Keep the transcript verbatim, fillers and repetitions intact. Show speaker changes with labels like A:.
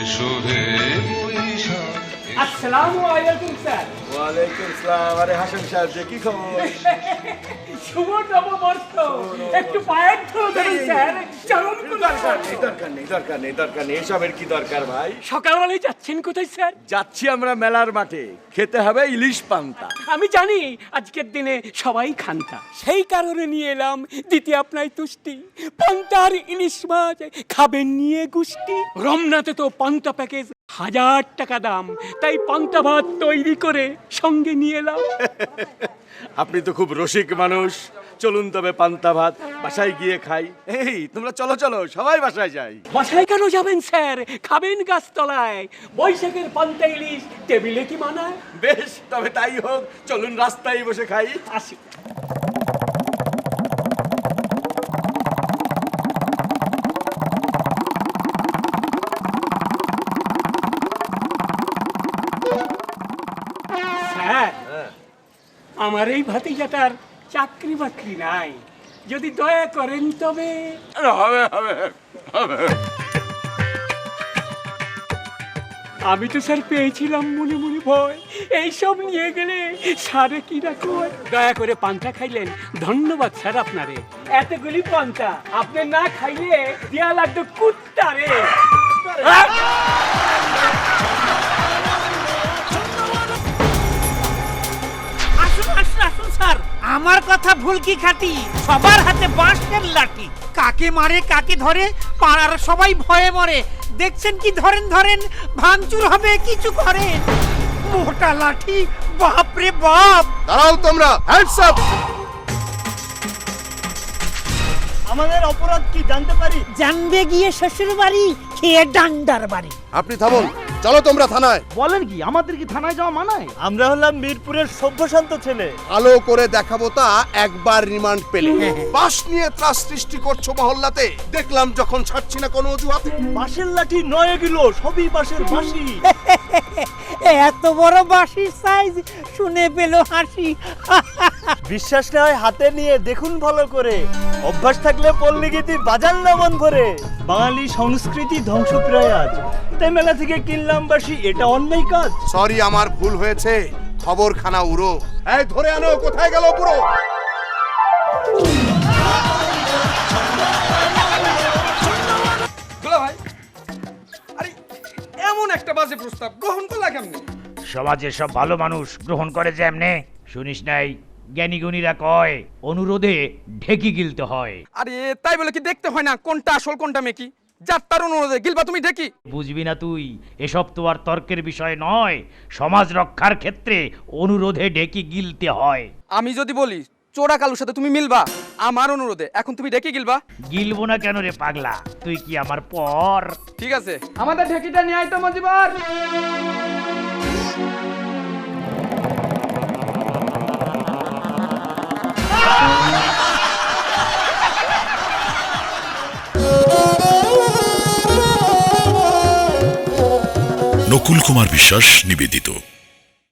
A: এসো হে বৈশাখ।
B: আসসালামু আলাইকুম স্যার।
C: ওয়ালাইকুম আসসালাম। আরে হাসান সাহেব যে কি খবর?
B: শুভ নববর্ষ। একটু পায়ের ধরবেন স্যার, চরণ
C: দরকার নেই দরকার নেই দরকার নেই দরকার নেই এসবের কি দরকার ভাই?
B: সকালবেলায় যাচ্ছেন কোথায় স্যার?
C: যাচ্ছি আমরা মেলার মাঠে, খেতে হবে ইলিশ পান্তা।
B: আমি জানি আজকের দিনে সবাই খান্তা, সেই কারণে নিয়ে এলাম দিতে আপনার তুষ্টি। পান্তার ইলিশ মাছ খাবেন নিয়ে গুষ্টি। রমনাতে তো পান্তা প্যাকেজ হাজার টাকা দাম, তাই পান্তা ভাত তৈরি করে সঙ্গে নিয়ে এলাম।
C: আপনি তো খুব রসিক মানুষ, চলুন তবে পান্তা ভাত বাসায় গিয়ে খাই। এই তোমরা চলো চলো সবাই বাসায় যাই।
B: বাসায় কেন যাবেন স্যার? খাবেন গাছতলায়। বৈশাখের পান্তা ইলিশ টেবিলে কি মানায়?
C: বেশ তবে তাই হোক, চলুন রাস্তায় বসে খাই।
B: আসি। স্যার, আমার এই ভাতিজাটার চাকরি বাকরি নাই, যদি দয়া করেন তবে।
C: হবে হবে হবে।
B: আমি তো স্যার পেয়েছিলাম মনে মনে ভয়, এইসব নিয়ে গেলে সারে কি রাখো। দয়া করে পান্তা খাইলেন, ধন্যবাদ স্যার আপনারে। এতগুলি পান্তা আপনি না খাইলে দেয়া লাগতো কুত্তারে।
D: আসুন আসুন আসুন স্যার, আমার কথা ভুল কি খাটি? সবার হাতে বাঁশের লাঠি, কাকে মারে কাকে ধরে পাড়ার সবাই ভয়ে মরে। দেখছেন কি ধরেন ধরেন, ভাঙচুর হবে কিছু করেন। মোটা লাঠি, বাপ রে বাপ।
E: দাঁড়াও তোমরা, হ্যান্ডস আপ।
F: আমাদের অপরাধ কি জানতে পারি?
D: জানবে গিয়ে শ্বশুর বাড়ি, খেয়ে ডান্ডার বাড়ি।
E: আপনি থামুন, চলো তোমরা থানায়।
F: বলেন কি, আমাদের কি থানায় যাওয়া মানায়? আমরা হলাম মিরপুরের সভ্যশান্ত ছেলে।
E: আলো করে দেখাবো তা একবার রিমান্ড পেলে। বাস নিয়ে ত্রাস সৃষ্টি করছো মহল্লাতে, দেখলাম যখন ছাড়ছি না কোনো অজুহাতে।
F: বাঁশের লাঠি নয় এগুলো, সবই বাঁশের বাঁশি।
D: এত বড় বাঁশির সাইজ শুনে পেল হাসি।
F: বিশ্বাস না হয় হাতে নিয়ে দেখুন ভালো করে, অভ্যাস থাকলে পল্লী গীতি বাজান না মন ভরে। বাঙালি সংস্কৃতি ধ্বংস প্রায় আজ, তাই মেলা থেকে কিনলাম বাঁশি, এটা অন্যায় কাজ।
E: সরি, আমার ভুল হয়েছে, খবর খানা উড়ো। এই ধরে আনো, কোথায় গেল পুরো?
G: দুলা ভাই, আরে এমন একটা বাজে প্রস্তাব গ্রহণ করলা কেমনে?
H: সমাজের সব ভালো মানুষ গ্রহণ করে যেমনে, শুনিস নাই জ্ঞানী গুণীরা কয় অনুরোধে ঢেকি গিলতে হয়।
G: আরে তাই বলে কি দেখতে হয় না কোনটা আসল কোনটা মেকি? যার তার অনুরোধে গিলবা তুমি ঢেকি?
H: বুঝবি না তুই, এসব তো আর তর্কের বিষয় নয়। সমাজ রক্ষার ক্ষেত্রে অনুরোধে ঢেকি গিলতে হয়।
G: আমি যদি বলি চোরা কালুর সাথে তুমি মিলবা আমার অনুরোধে, এখন তুমি ঢেকি গিলবা?
H: গিলবো না কেন রে পাগলা, তুই কি আমার পর?
G: ঠিক আছে, আমাদের ঢেকিটা নিয়ে আয় তো মজিবার।
I: নকুল কুমার বিশ্বাস নিবেদিত।